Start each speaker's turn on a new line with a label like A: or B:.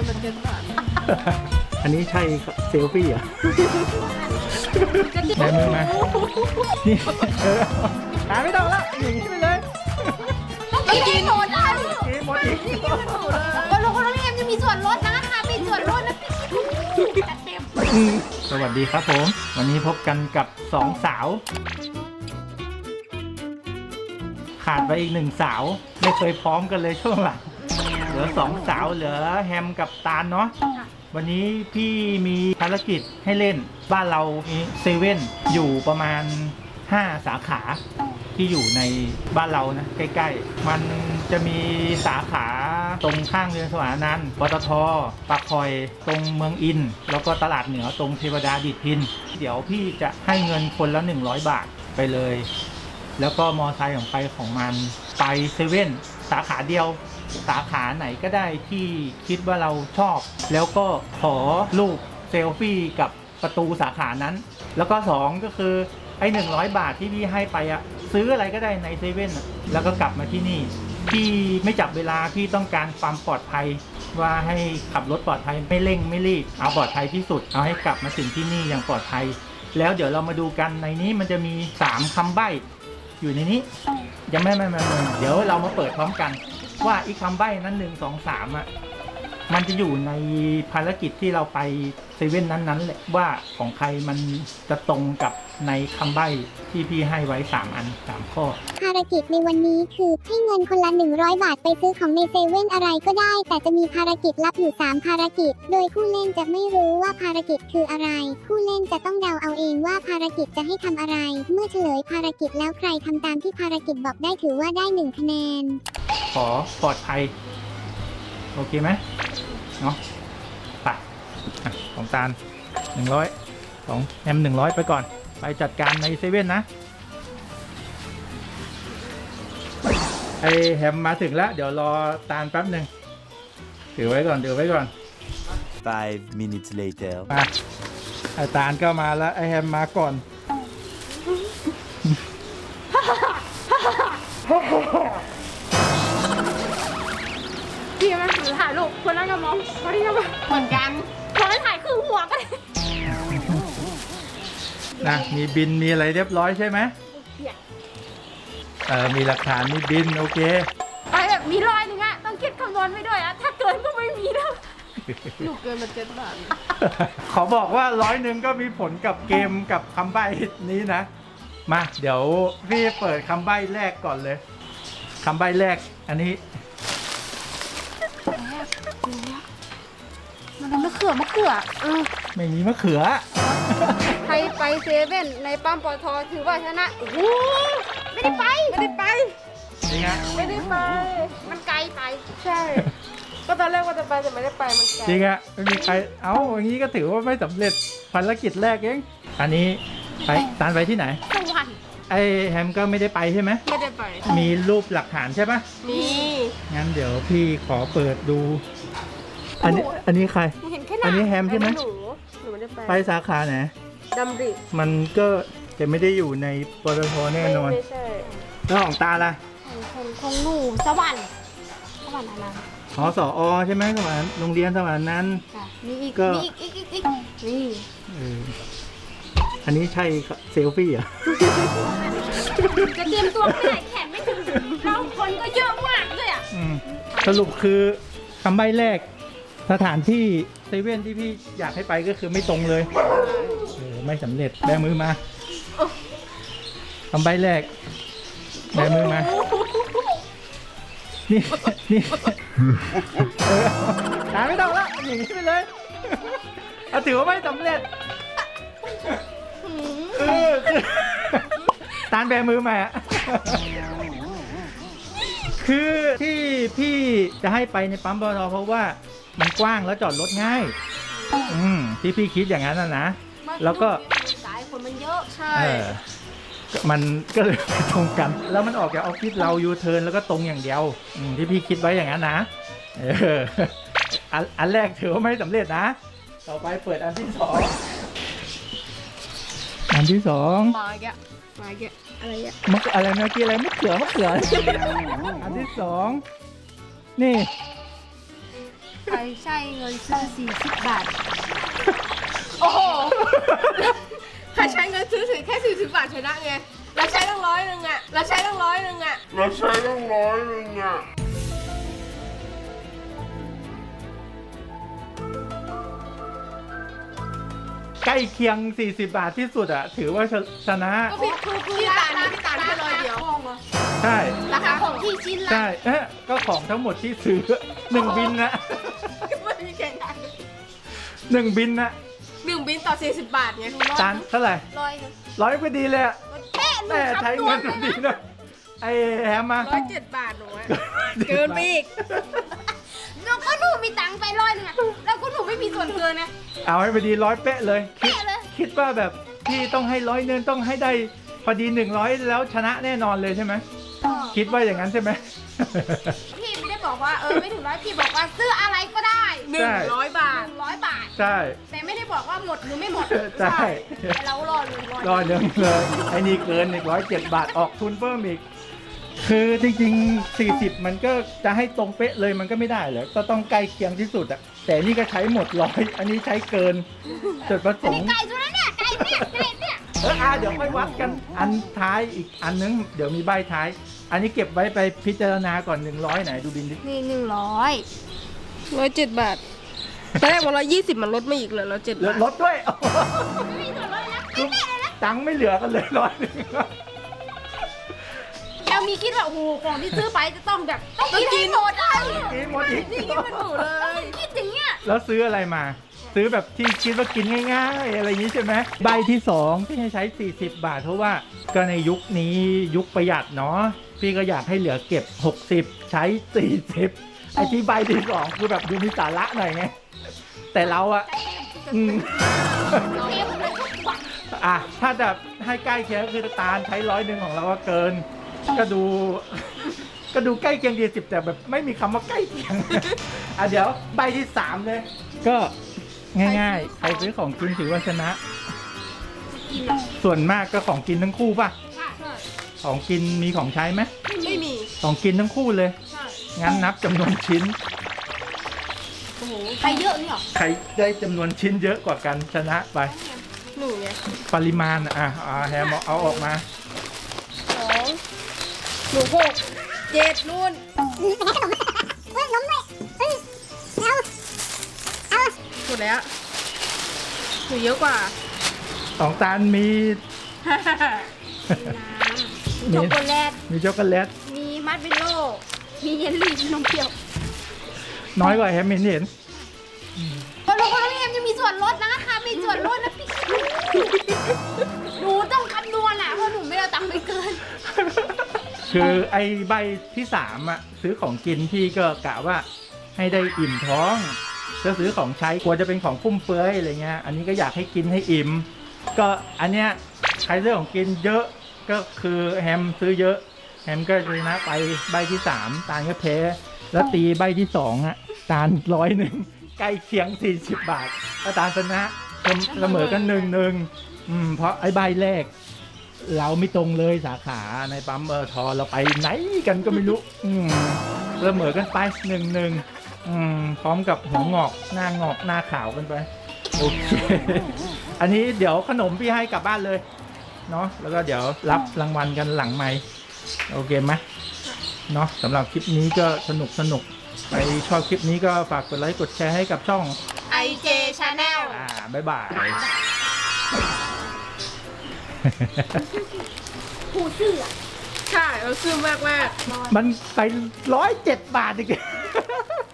A: นมัน7 บาท
B: อันนี้ใช่เซลฟี่เหรอได้มือมานี่หาไม่ต้องละอย่างนี้ไปเลย
A: กินหมดแล้ว
B: กินหมดอีก
A: ก็โลโลเอ็มจะมีส่วนลดนะคะมีส่วนลดนะจัดเต็ม
B: สวัสดีครับผม วันนี้พบกันกับ2 สาว ขาดไปอีก1 สาว ไม่เคยพร้อมกันเลยช่วงหลังเหลือ2 สาวเหลือแฮมกับตาลเนาะวันนี้พี่มีภารกิจให้เล่นบ้านเรามีเซเว่นอยู่ประมาณ5 สาขาที่อยู่ในบ้านเรานะใกล้ๆมันจะมีสาขาตรงข้างเรือนสวรรค์นันท์ปตท.ปากคอยตรงเมืองอินแล้วก็ตลาดเหนือตรงเทวดาดิษฐินเดี๋ยวพี่จะให้เงินคนละ100 บาทไปเลยแล้วก็มอไซค์ของใครของมันไปเซเว่นสาขาเดียวสาขาไหนก็ได้ที่คิดว่าเราชอบแล้วก็ขอรูปเซลฟี่กับประตูสาขานั้นแล้วก็2ก็คือไอ้100 บาทที่พี่ให้ไปอะซื้ออะไรก็ได้ในเซเว่นแล้วก็กลับมาที่นี่พี่ไม่จับเวลาพี่ต้องการความปลอดภัยว่าให้ขับรถปลอดภัยไม่เร่งไม่รีบเอาปลอดภัยที่สุดเอาให้กลับมาถึงที่นี่อย่างปลอดภัยแล้วเดี๋ยวเรามาดูกันในนี้มันจะมี3 คำใบ้อยู่ในนี้ยังไม่เดี๋ยวเรามาเปิดพร้อมกันว่าอีกคำใบ้นั้น1 2 3อ่ะมันจะอยู่ในภารกิจที่เราไปเซเว่นนั้นๆแหละว่าของใครมันจะตรงกับในคำใบ้ที่พี่ให้ไว้3 อัน3 ข้อ
C: ภารกิจในวันนี้คือให้เงินคนละ100 บาทไปซื้อของในเซเว่นอะไรก็ได้แต่จะมีภารกิจลับอยู่3 ภารกิจโดยผู้เล่นจะไม่รู้ว่าภารกิจคืออะไรผู้เล่นจะต้องเดาเอาเองว่าภารกิจจะให้ทำอะไรเมื่อเฉลยภารกิจแล้วใครทำตามที่ภารกิจบอกได้ถือว่าได้1 คะแนน
B: ขอปลอดภัยโอเคไหมเนาะไปของตาล100ของแฮม100ไปก่อนไปจัดการในเซเว่นนะไอแฮมมาถึงแล้วเดี๋ยวรอตาลแป๊บหนึ่งถือไว้ก่อน
D: 5 minutes later
B: มาไอตาลก็มาแล้วไอแฮมมาก่อน
A: พี่มาถือถ่ายรูปคนนั้นก็มองคนนี้ก็มาเหมือนกันคนนั้นถ่ายคือหัวกัน
B: นะมีบินมีอะไรเรียบร้อยใช่ไหมมีหลักฐานมีบินโอเค
A: ไปแบบมี100นึงอะต้องคิดคำนวณไว้ด้วยอะถ้าเกินก็ไม่มีแล้วหนูเกินมา7 บาท
B: ขอบอกว่า100 ก็มีผลกับเกมกับคำใบ้นี้นะมาเดี๋ยวพี่เปิดคำใบ้แรกก่อนเลยคำใบ้แรกอันนี้
A: มันมะเขือ
B: ไม่มีมะเขือ
A: ใครไปเซเว่นในปั๊มปตทถือว่าชนะโอ้โหไม่ได้ไป
B: จริงฮะ
A: ไม่ได้ไปมันไกลไปใช่ก็ตอนแรกว่าจะไปแต่ไม่ได้ไปมันไกล
B: จริงฮะไม่มีใครอย่างนี้ก็ถือว่าไม่สำเร็จภารกิจแรกเองอันนี้ไปตานไปที่ไหน
A: สวรรค์
B: ไอแฮมก็ไม่ได้ไปใช่ไหม
A: ไม่ได้ไป
B: มีรูปหลักฐานใช่ปะ
A: มี
B: งั้นเดี๋ยวพี่ขอเปิดดูอันนี้ใครอันนี้แฮมใช่ไหม
A: หนูไม่ได้
B: ไปสาขาไหน
A: ดำริ
B: มันก็จะไม่ได้อยู่ในปตทแน่นอน
A: ไม่ใช่
B: แล้วของตาล่ะ
A: ของหนูสวรรค์อะไร
B: สอใช่ไหมสวรรค์โรงเรียนสวรรค์นั้น
A: มีอีกนี่
B: อันนี้ใช่เซลฟี่เหรอ
A: จะเตรียมตัวไม่ได้แขนไม่ถึงเราคนก็เยอะมากเลยอ่ะ
B: สรุปคือคำใบ้แรกสถานที่เซเว่นที่พี่อยากให้ไปก็คือไม่ตรงเลยไม่สำเร็จแบมือมาคำใบ้แรกแบมือมานี่หาไม่ต้องละอย่างนี้ไปเลยถือว่าไม่สำเร็จตานแบมือมาคือที่พี่จะให้ไปในปั๊มปตทเพราะว่ามันกว้างแล้วจอดรถง่ายที่พี่คิดอย่างนั้นนะแล้วก็
A: สายคนมันเยอะใช่
B: มันก็เลยไปตรงกันแล้วมันออกจากออฟฟิศเรายูเทิร์นแล้วก็ตรงอย่างเดียวที่พี่คิดไว้อย่างนั้นนะอันแรกถือว่าไม่สำเร็จนะต่อไปเปิดอันที่2มาแกอะไรอะอะไรเมื่อกี้อะไรมะเขืออันที่2นี่
A: ใครใช้เงินซื้อ40 บาท โอ้โห ใครใช้เงินซื้อแค่40 บาทชนะไงเราใช้ตั้ง100นึงอ่ะเราใช้ตั้ง100นึงอ่ะ
B: ใกล้เคียง40 บาทที่สุดอะถือว่าชนะ
A: ก็พี่ตาลแค่100เดียว
B: ใช่
A: ราคาของที่ชิ้นละ
B: ใช่ก็ของทั้งหมดที่ซื้อ1 บินนะ
A: ไม่มีแข่งกัน
B: 1 บินนะ
A: 1 บินต่อ40 บาทไง
B: ตาลเท่าไหร่
A: 100
B: 100พอดีเลยอะ
A: แค่หนู
B: แม่
A: คำ
B: ใช้
A: นว
B: เงิ
A: ณ
B: นพอดีนะไอ้แฮมมา
A: 107 บาทหนูอะเกินไปอีกแล้วก็หนูมีตังค์ไป100นึงอะแล้วก็หนูไม่มีส่วนเกินนะ
B: เอาให้พอดี100 เป๊ะเลย
A: เป๊ะเลย
B: คิดว่าแบบพี่ต้องให้100 นึงต้องให้ได้พอดี100แล้วชนะแน่นอนเลยใช่ไหมคิดว่าอย่างนั้นใช่ไหม
A: พี่ไม่ได้บอกว่าไม่ถึง100พี่บอกว่าซื้ออะไรก็ได้100 บาท100 บาท
B: ใช่
A: แต่ไม่ได้บอกว่าหมดหรือไม่หมด
B: ใช่
A: แต่เรารอเลย
B: รอเดิมเลยไอ้นี่เกินอีก107 บาทออกทุนเพิ่มอีก คือจริงๆ40มันก็จะให้ตรงเป๊ะเลยมันก็ไม่ได้เหรอก็ต้องใกล้เคียงที่สุดอะแต่นี่ก็ใช้หมด100อันนี้ใช้เกินจุดประสงค์
A: ไก่ตัวนั้นเนี่ยไก่เนี่ย
B: เดี๋ยวค่อยวัดกันอันท้ายอีกอันนึงเดี๋ยวมีใบท้าย อันนี้เก็บไว้ไปพิจารณาก่อน100ไหนดูบินดิ
A: นี่107 บาทตอนแรกว่า120มันลดมาอีกเลย107 บาท
B: ลดด้วย
A: ไม่มีส่วนลดนะ
B: ตังค์ไม่เหลือกันเลย100
A: เรามีคิดว่าโอ้โหของที่ซื้อไปจะต้องแบบต้องกินให้หมดเลย
B: กินหมดอีก
A: นี่กินเป็นหมูเลยคิดอย่างเงี้ย
B: แล้วซื้ออะไรมา ซื้อแบบที่คิดว่ากินง่ายๆอะไรอย่างนี้ใช่ไหมใบที่2ที่ให้ใช้40 บาทเพราะว่าก็ในยุคนี้ยุคประหยัดเนาะพี่ก็อยากให้เหลือเก็บ60ใช้40ไอ้ที่ใบที่2คือแบบดูมีสาระหน่อยไงแต่เราอะอืม
A: เต็มเลยทุกวัน
B: อ่ะถ้าแบบให้ใกล้เคียงก็คือตาลใช้100ของเราก็เกิน ก็ดูใกล้เคียง40แต่แบบไม่มีคำว่าใกล้เคียง อ่ะเดี๋ยวใบที่3เลยก็ง่ายๆใครซื้อของกินถือว่าชนะ ส่วนมากก็ของกินทั้งคู่ป่ะ
A: ใช่
B: ของกินมีของใช้ไหม
A: ไม่มี
B: ของกินทั้งคู่เลย
A: ใช่
B: งั้นนับจำนวนชิ้น
A: โอ้โหใครเยอะนี่หรอ
B: ใครได้จำนวนชิ้นเยอะกว่ากันชนะไป
A: หนูไง
B: ปริมาณแฮมเอาออกมา
A: 2หนู6 7นู่น
C: เฮ้ยล้มเลยเฮ้ยเอา
A: หมดแล้วหนูเยอะกว่า
B: ของตาลมี
A: ช็อกโกแลต
B: มีช็อกโกแลต
A: มีมัดเบลโล่มีเยลลี่มีนมเปรี้ยว
B: น้อยกว่าแฮมเห็น
A: คนละคนละเอ็มจะมีส่วนลดนะคะมีส่วนลดนะพี่หนูต้องคำนวณอ่ะเพราะหนูไม่ได้ตังค์ไปเกิน
B: คือไอ้ใบที่3อ่ะซื้อของกินพี่ก็กะว่าให้ได้อิ่มท้องจะซื้อของใช้กลัวจะเป็นของฟุ่มเฟือยอะไรเงี้ยอันนี้ก็อยากให้กินให้อิ่มก็อันเนี้ยใครซื้อของกินเยอะก็คือแฮมซื้อเยอะแฮมก็ชนะไปใบที่3ตาลก็แพ้แล้วตีใบที่2อ่ะตาล100ใกล้เคียง40 บาทถ้าตาลชนะเสมอกัน1-1เพราะไอ้ใบแรก เราไม่ตรงเลยสาขาในปั๊มทอเราไปไหนกันก็ไม่รู้เสมอกันไป1-1พร้อมกับหัวงอกหน้างอกหน้าขาวกันไปโอเค อันนี้เดี๋ยวขนมพี่ให้กลับบ้านเลยเนาะแล้วก็เดี๋ยวรับรางวัลกันหลังไมค์โอเคไหมเนาะสำหรับคลิปนี้ก็สนุกไปชอบคลิปนี้ก็ฝากกดไลค์กดแชร์ให้กับช่อง
A: IJ Channel
B: บ๊ายบาย
A: ผู้ซื้อใช่เราซื้อมาก
B: มันไป107 บาทอีก